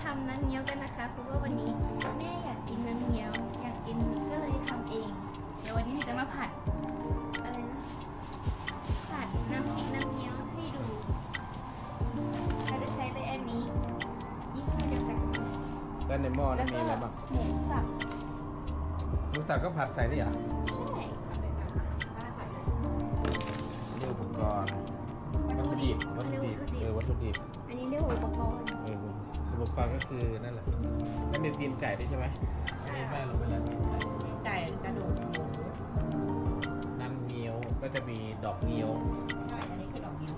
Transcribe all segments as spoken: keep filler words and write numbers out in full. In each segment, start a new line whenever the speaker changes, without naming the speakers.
ำน้ำเงี้ยวกันนะคะเพราะว่าวันนี้แม่อยากกินน้ำเงี้ยวอยากกินก็เลยทำเองเดี๋ยววันนี้จะมาผัดอะไรนะผัดน้ำพริกน้ำเงี้ยวให้ดูเราจะใช้เป็นอันนี้ยี่ห้อเดียวกัน
แล้วในหม้อ
แล้
นั้
วน ก็
มีอะไรบ้าง
หมูสับ
หมูสับก็ผัดใส่นี่เหรอ
ใช่
นี่อุปกรณ์วัตถุดิบวัตถุดิบเออวัตถุดิบ
อันนี้เรียกว่าอุปกรณ์
เอออุปกรณ์ก็คือนั่นแหละแล้วมีตีนไก่ด้วยใช่ไหมอันนี้แม่ลงไปแล้ว
ไก่กระดูกหมู
น้ำเงี้ยวก็จะมีดอกเงี้ยว
ใช่อันนี้คือดอกนิ้ว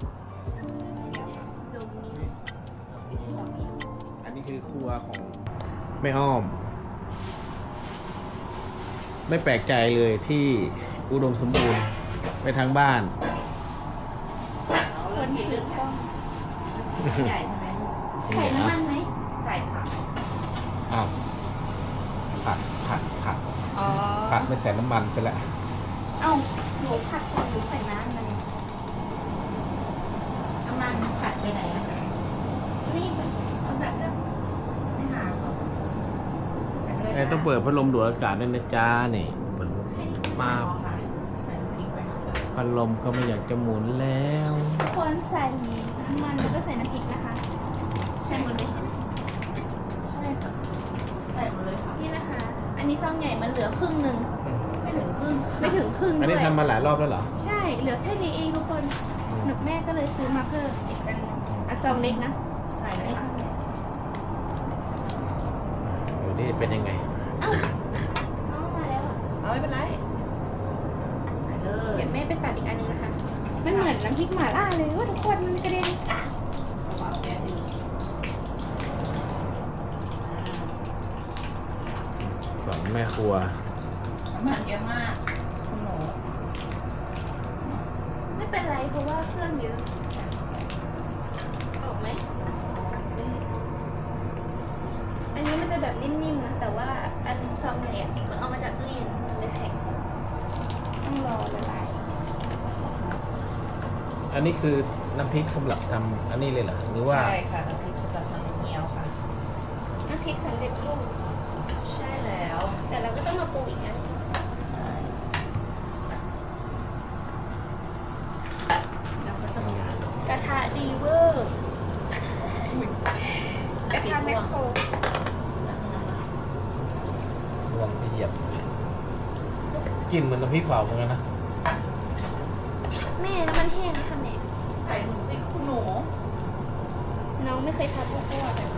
ตรงนี้
ดอกนิ้ว
อันนี้คือครัวของแม่อ้อม ไม่แปลกใจเลยที่อุดมสมบูรณ์ไปทางบ้าน
คนที่ลึกก็ใหญ่ใช่ไหม
ใส่น้ำมันไหม
ใส่ผัก
อ้าวผัดผัดผัด
อ๋อ
ผัดไม่ใส่น้ำมันซะแล้ว
เอ้าหนูผัดก่อนหนูใส่น้ำมัน
น้ำมันผัดไปไหนอะ
นี่
เอาใส่เรื่องไม่หาเขา
เอ้ยต้องเปิดพัดลมดูดอากาศด้วยนะจ้านี่เปิดมา
ค่ะใส่พริกไป
พัดลมก็ไม่อยากจะหมุนแล้ว
ควรใส่น้ำมันแล้วก็ใส่น้ำพริกนะคะ ใส่หมดเลยใช่ไหม
ใช่ค่ะใส่หมดเลยค่ะ
นี่นะคะ อันนี้ซองใหญ่มันเหลือครึ่งหนึ่ง
ไม่ถึงครึ่ง
ไม่ถึงครึ่ง
อัน
ด้
นี้
วย
ทำมาหลายรอบแล้วเหรอ
ใช่ เหลือแค่นี้เองทุกคนหนูแม่ก็เลยซื้อมาเพิ่มอีกอันหนึ่งอ่ะซองเล็กนะ
ใส่เลย
นี่ซ
ค่ะ
องใหญ่
ดูนี่เป็นยังไง
เอ้าเอามาแล้วอ่ะ
เอาไม่เป็นไรใส่เล
เดี๋
ย
ยวแม่ไปตัดอีกอันหนึงนะคะ มันเหมือนน้ำพริกหม่าล่าเลยว่าทุกคนมันกระเด็น
วางแก๊สอยู่
สอนแม่ครัว
น้ำมันเยอะมากคุณหนู
ไม่เป็นไรเพราะว่าเครื่องเยอะออกไหม อันนี้มันจะแบบนิ่มๆนะ แต่ว่าอันซองใหญ่อะมันเอามาจากตู้เย็นเลยแข็งต้องรอละลาย
อันนี้คือน้ำพริกสำหรับทำอันนี้เลยเหรอหรือว่า
ใช่ค่ะน้ำพริกสำหรับทำเงี้ยวค่ะ
น้ำพริกสำเร็จรูป
ใช่แล้ว
แต่เราก็ต้องมาปรุงอีกนะ
แล้วก็จะมี
กระทะดีเวอร์กระทะแมคโคร
รวงไปเหยียบกลิ่นเหมือนน้ำพริกเผาเหมือนกันนะ
แม่น้ำมันแห้งทำเนี่ย
ใส่หมูติ๊กคุณหนู
น้องไม่เคยทำพวกพวกอะ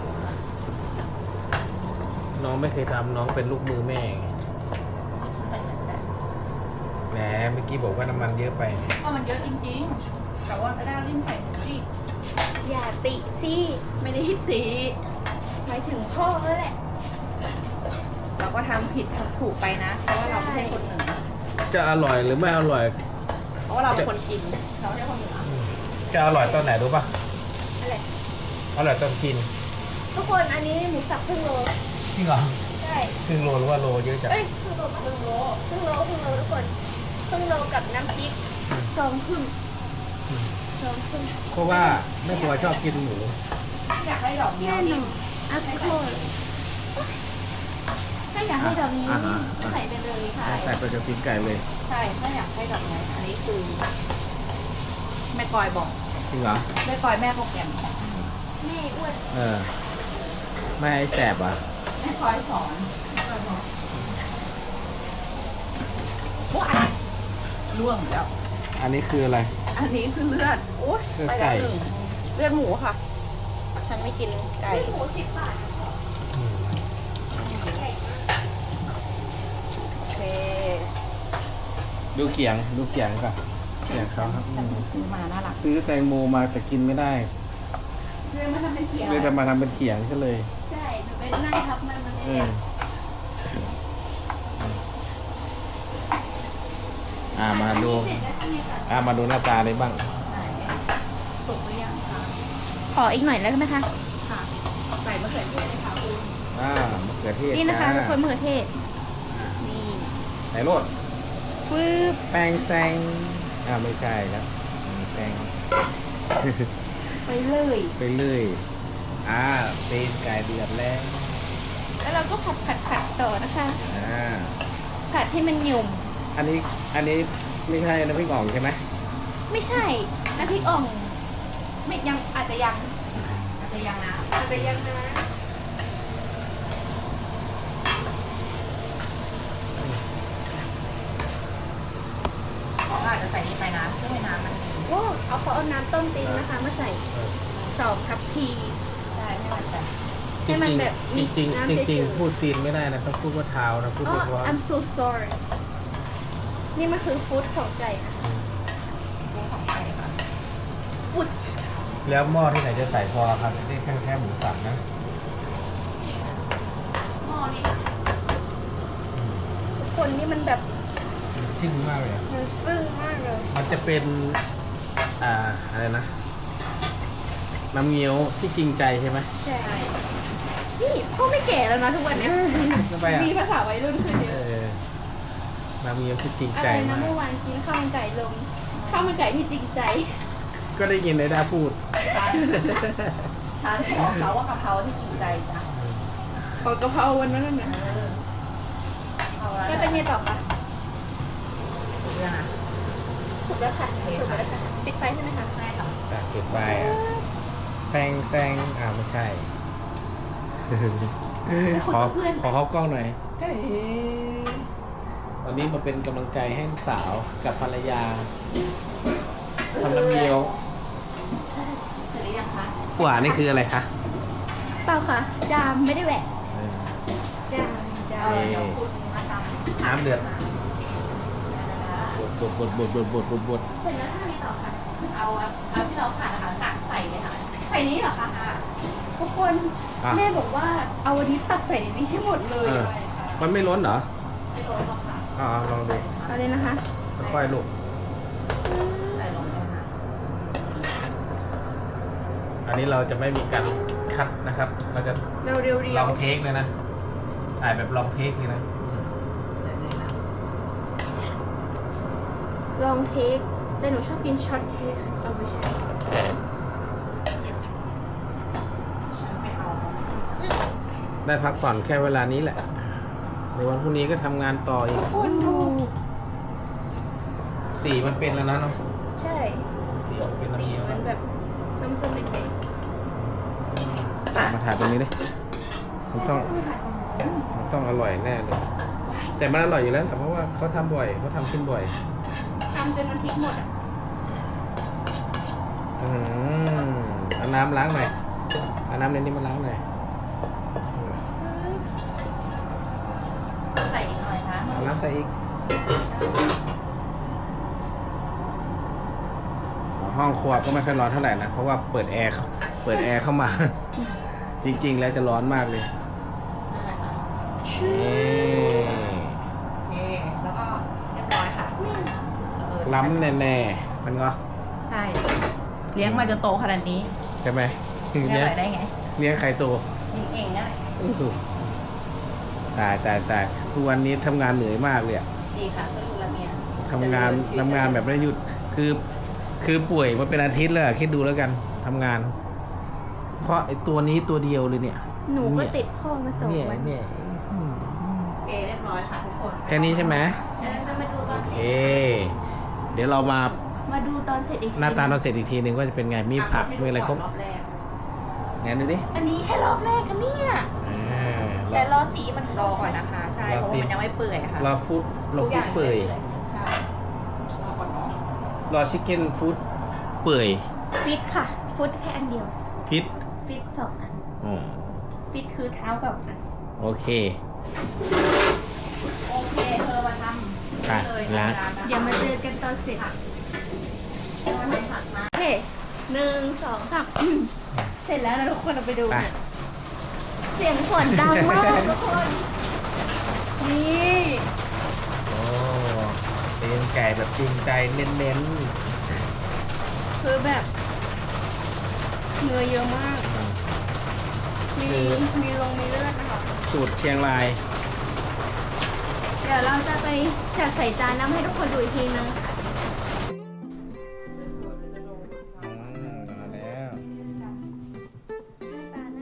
น้องไม่เคยทำน้องเป็นลูกมือแม่ไง
ใส่เหมือนกัน
แหมเมื่อกี้บอกว่าน้ำมันเยอะไป
ก็มันเยอะจริงๆ แต่ว่าไม่ได้รีบใส่หมูดิ
อย่าติสิ
ไม่ได้ตี
หมายถึงพ่อแล้วแหละ
เราก็ทำผิดทำถูกไปนะ เพราะว่าเราไม่ใช่คนเหนือ
จะอร่อยหรือไม่อร่อย
เพราะว่าเราเป็นคนกิน เราไม่ใช่คนเหนือ
จะอร่อยตอนไหนรู้ป่ะ
อะไร
อร่อยตอนกิน
ทุกคนอันนี้หมูสับครึ่งโล
จริงเหรอ
ใช่
ครึ่งโลหรือว่าโลเยอะจัง
เอ้ยครึ่งโลครึ่งโลครึ่งโลครึ่งโลทุกคนครึ่งโลกับน้ำพริกสองครึ่งสองครึ่ง
เพราะว่าแม่ครัวชอบกินหมู
อยากให้ดอกเงี้ย
แน่
วน
อ
นิ่
น
ม
อ่ะทุกคนถ้าอยากให้ดอกนี้ใส่ไปเลยค่ะ
ใส่ไปกับตีนไก่เลย
ใช่ ถ้าอยากให้ดอกเงี้ยอันนี้คือแม่กอยบอก
จริงเหรอ
แม่กอยแม่โปรแกรม
แม่อ้วน
เออไม่ให้แสบอ่ะ
แม่กอยสอนแม่กอยบอกว้ายร่วงแล้ว
อันนี้คืออะไร
อันนี้คือเลือดโอ๊ย
เลือด
ไป
ไก่
แล้วหนึ่งเลือดหมูค่ะ ฉันไม่กินไก่
หมูสิบบาท
โอเค
ดูเขียงดูเขียงก่อนเขียงเขาครับอืม
ซื้อมาน่ารัก
ซื้อแตงโมมาแต่กินไม่ได้
เรื่องมันทำเป็นเขียว
เลยจะมาทำเป็นเขียงก็เลย
ใช่หนูไปนั่งทับมันมัน
เอ
ไม่
อ อ่ามาดู
เสร็จแล้วทำไงต่อ
อ่ามาดูหน้าตาเลยบ้าง
ไหนสุกหรือยังคะ
ขออีกหน่อยแล้วไหมคะ
ค่ะใส่มะเขือเทศเลยค่ะคุณ
อ่ามะเขือเทศ
นี่นะคะ
จ้า
ทุกคนมะเขือเทศ นี่
ไหนโรด
ปึ๊บ
แป้งแซงอ่าไม่ใช่แล้วแป้ง
ไปเลย
ไปเรื่อยอ่าตีนไก่เดือดแล้ว
แล้วเราก็ผัดผัดผัดต่อนะคะ
อ่า
ผัดให้มันหยุ่ม
อันนี้อันนี้ไม่ใช่น้ำพริกอ่องใช่ไหม
ไม่ใช่น้ำพริกอ่องไม่ยังอาจจะยัง
อาจจะยังนะ
อาจจะยังนะ
เขาอาจจะใส่นี่ไปนะเพื่อให้น้ำมันมี
โอ้เอาเขาเอาน้ำต้มตีนนะคะมาใส่สองทัพพี
ใช่ให้มันแบบ
ให้มันแบบ
จริงจริง
น้ำ
จริง
เฉ
จริง
ยๆ
ๆพูดตีนไม่ได้นะต้องพูดว่าเท้านะพูด
อ๋อ
ว่า
I'm so sorry นี่มันคือฟู้ดของไก่นะ
กุ้งของไก่ค่ะ
ฟู้ด
แล้วหม้อที่ไหนจะใส่พอครับนี่แค่แค่หมูสับนะ
หม้อนี่
ทุกคนนี่มันแบบ
จริงมากเลยอะ
มันซึ้งมากเลย
มันจะเป็นอ่าอะไรนะน้ำเงี้ยวที่จริงใจใช่ไหม
ใช่นี่พ่อไม่แก่แล้วนะทุกวันเนี้ย
ทำไมอ่ะ
มีภาษาวัยรุ่นขึ้นเย
เอ
อะ
อน้ำเงี้ยวที่จริง
อะ
ใจ
ไรนะ
มาก
เมื่อวานกินข้าวมันไก่ลงข้าวมันไก่ที่จริงใจ
ก็ได้ยินไอ้ด้าพูด
ฉันบอกเขาว่ากะเพราที่จริงใจจ้ะ
ขอกะเพราวันนั้นนะ
เออเอาละ
แล้วเป็นไงต่อคะ
ถูกแล้วนะ
สุกแล้วค่ะสุกแล้วค่ะปิดไฟใช่ไหมคะ
ใช่ค่ะ
จากเก็บไปอ่ะแซงแซงอ่าไม่ใช่ ขอขอเข้ากล้องหน่อยใช่วันนี้มาเป็นกำลังใจให้สาวกับภรรยาทำน้ำเงี้ยว
เสร็จหรือยังคะ
หวานนี่คืออะไรคะ
เปล่าค่ะจามไม่ได้แหวะ
เออ
จามจา
เอ
ม
อเดี๋ยวคุณมาทำ
น้ำเดือด บดบดบดบดบดบดบด
เสร็จแล้วทำไงต่อคะ
เอาเอาที่เราขาดนะคะตักใส่เลยค่ะ
ไข่นี้เหรอคะทุกคน
อ่ะ
แม่บอกว่าเอาวันนี้ตักใส่ในนี้ให้หมดเลย
เออ มันไม่ล้นเหรอ
ไม่โดนหรอกค่ะ
อ่าลองดู
เอาเลยนะคะ
ค่อยๆลูก
ใส่ลงไปค่ะ
อันนี้เราจะไม่มีการคัดนะครับ เราจะ
เราเรียว
ลองเทคเลยนะถ่ายแบบลองเทคเลยนะ
ใส่เลยนะ
ๆลองเทคแต่หนูชอบกินช็อตเค้กเอาไปใช้
ฉันไม่เอา
ได้พักผ่อนแค่เวลานี้แหละ ในวันพรุ่งนี้ก็ทำงานต่ออีก
คนดู
สีมันเป็นแล้วนะเนาะ
ใช่
สีออกเป็นน้ำ
สี
เงี้ยว
มันแบบส้มๆแดง
มาถ่ายตรงนี้ดิมันต้องมันต้องอร่อยแน่เลย แต่มันอร่อยอยู่แล้วแต่เพราะว่าเขาทำบ่อยเขาทำขึ้นบ่อย
ๆทำจนมันพริกหมดอ่ะ
อืมเอาน้ำล้างหน่อยเอาน้ำในนี้มาล้างหน่อยอืม
ใส่อีกหน่อยนะ
เอาน้ำใส่อีกห้องครัวก็ไม่ค่อยร้อนเท่าไหร่นะ เพราะว่าเปิดแอร์เปิดแอร์เข้ามา จริงๆแล้วจะร้อนมากเลย
นั่นแหละค่ะ
นี่
โอเคแล้วก็เรียบร้อยค่ะเออ
ล้ำแน่ๆมันก็
ใช่เลี้ยงมาจนโตขนาดนี้
ใช่ไหม
เลี้ยง
เลี้ยง
อะไรได้ไง
เลี้ยงไข่โต
เลี้ยงเองได้
อื้อหือตายตายตายทุกวันนี้ทำงานเหนื่อยมากเลยอะ
ดีค่ะก็ดูแลเมีย
ทำงานทำงานแบบไม่ได้หยุด คือ คือป่วยมาเป็นอาทิตย์แล้วอะคิดดูแล้วกันทำงาน เพราะไอ้ตัวนี้ตัวเดียวเลยเนี่ย
หนูก็
เย
ติดพ่อมาสอง
เนี่ย
วัน
เนี่ยอืม
โอเคเรียบร้อยค่ะทุกคน
แค่นี้ใช่ไหม
เดี๋ยวเราจะมาดูต
โอ
อน
เค
เสร็จ
เดี๋ยวเรามา
มาดูตอนเสร็จอีกที
หน้าตาเราเสร็จอีกทีหนึ่งว่าจะเป็นไง มีผัก มีอะไรครบ
รอบแรก
งั้นดูดิ
อันนี้แค่รอบแรกกันเนี่ย
อ่า
แต่รอสีมัน
รอก่อนนะคะ ใช่ เพราะว่ามันยังไม่เปื่อยค่ะ
รอฟูดรอ
ทุกอ
ฟู
ย่า
ด
ง
เปื่อย
ใช่รอก่อนเนาะ
รอชิคเก้นฟูดเปื่อย
ฟิตค่ะ ฟุตแค่อันเดียว
พิษ
ฟิตสองอัน
อ๋อ
ฟิตคือเท้าแบบอัน
โอเค
โอเคเธอมาทำ
ค่ะ
เลย
ล้าง
เดี๋ยวมาเจอกันตอนเสร็จ
ผักมาทำผักมา
โอเคหนึ่งสองสามอืมเสร็จแล้วนะทุกคนเราไปดู
ไป
เนี่ยเสียงฝนดังมากทุกคน นี่
โอ้เป็นไก่แบบจริงใจเน้น
คือแบบเนื้อเยอะมาก
ๆ
มี มีลงมีเลือดนะคะ
สูตรเชียงราย
เดี๋ยวเราจะไปจัดใส่จานแล้วให้ทุกคนดูอีกทีนึงค่ะ
อืมมาแล้ว
หน้าตาน่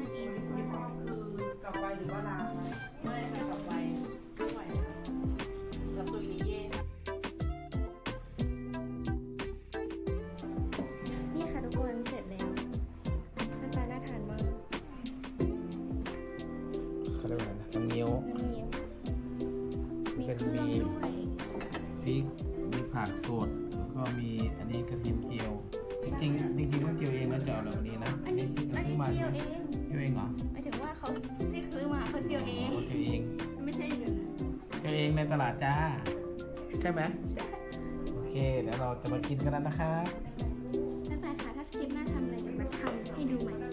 เครื่อง
มี
ด้วย
พริกมีผักสดแล้วก็มีอันนี้กระเทียมเจียว จริงๆจริงๆต้องเจียวเองนะจะเอาแบบนี้นะ
อันนี้
ซื้อ
อัน
ซื้
นี้
อมา
เจี
ใช่
ยว
ไหม
เอง
เจียวเองเหรอ
หมายถึงว่าเขาที่ซื้อมาเขาเจียวเอง
โเจียวเอง
ไม่ใช่อย่างนั้น
เจียวเองในตลาดจ้า ใช่ไหมโอเค เดี๋ยวเราจะมากินกันแล้วนะครับ
บ๊ายบายค่ะ ถ้าคลิปหน้าทำอะไรเดี๋ยวมาทำให้ดูใหม่